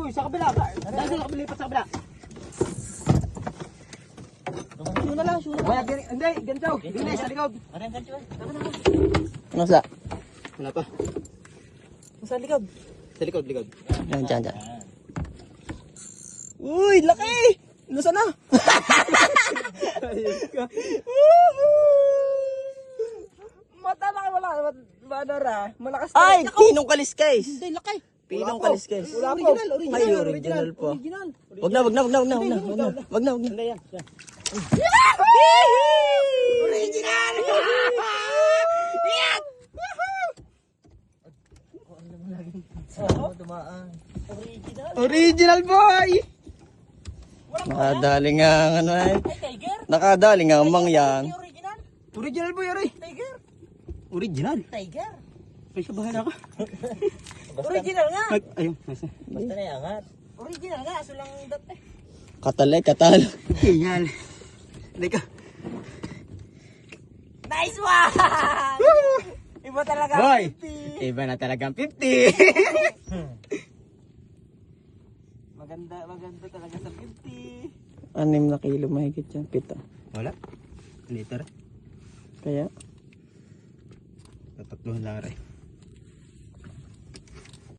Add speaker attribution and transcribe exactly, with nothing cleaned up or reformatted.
Speaker 1: Uy, sa kabila. Dahil sa kabila, lipat sa kabila. Shoe na lang, shoe na lang. Hindi, ganito. Hindi, sa likod.
Speaker 2: Ano yung ganito?
Speaker 3: Nasa?
Speaker 1: Wala pa. Sa likod. Sa likod, likod.
Speaker 3: Yan, dyan, dyan.
Speaker 1: Uy, laki! Nasaan na? Mata laki, wala. Badara. Malakas na.
Speaker 3: Ay, pinong kaliskes.
Speaker 1: Hindi, laki.
Speaker 3: Pinong kaliskes.
Speaker 1: Wala po. Original, original.
Speaker 3: Ay, original po.
Speaker 1: Original.
Speaker 3: Wag na, wag na, wag na, wag na, wag na, wag na, wag na, wag na.
Speaker 1: Hindi yan.
Speaker 3: Original! Yan!
Speaker 2: Oo, dumaan. Original.
Speaker 3: Original boy! Nakadali nga ang ano ay.
Speaker 2: Ay, tiger.
Speaker 3: Nakadali nga ang mangyang.
Speaker 2: Ay, original.
Speaker 1: Original po, Yari.
Speaker 2: Tiger.
Speaker 1: Original.
Speaker 2: Tiger.
Speaker 1: Ay, sa bahala ka.
Speaker 2: Original nga.
Speaker 1: Ay, ayun. Nasa.
Speaker 2: Basta na iangat. Original nga, aso lang dat eh.
Speaker 3: Katalay, katalo.
Speaker 1: Original. Hindi ka.
Speaker 2: Nice one! Iba talaga.
Speaker 1: Hoy!
Speaker 2: fifty.
Speaker 1: Iba na talagang fifty. Maganda, maganda talaga sa fifty.
Speaker 3: Anim na kilo mahigit yan, pito.
Speaker 1: Wala. Liter.
Speaker 3: Kaya,
Speaker 1: Tatatluhan lang rin.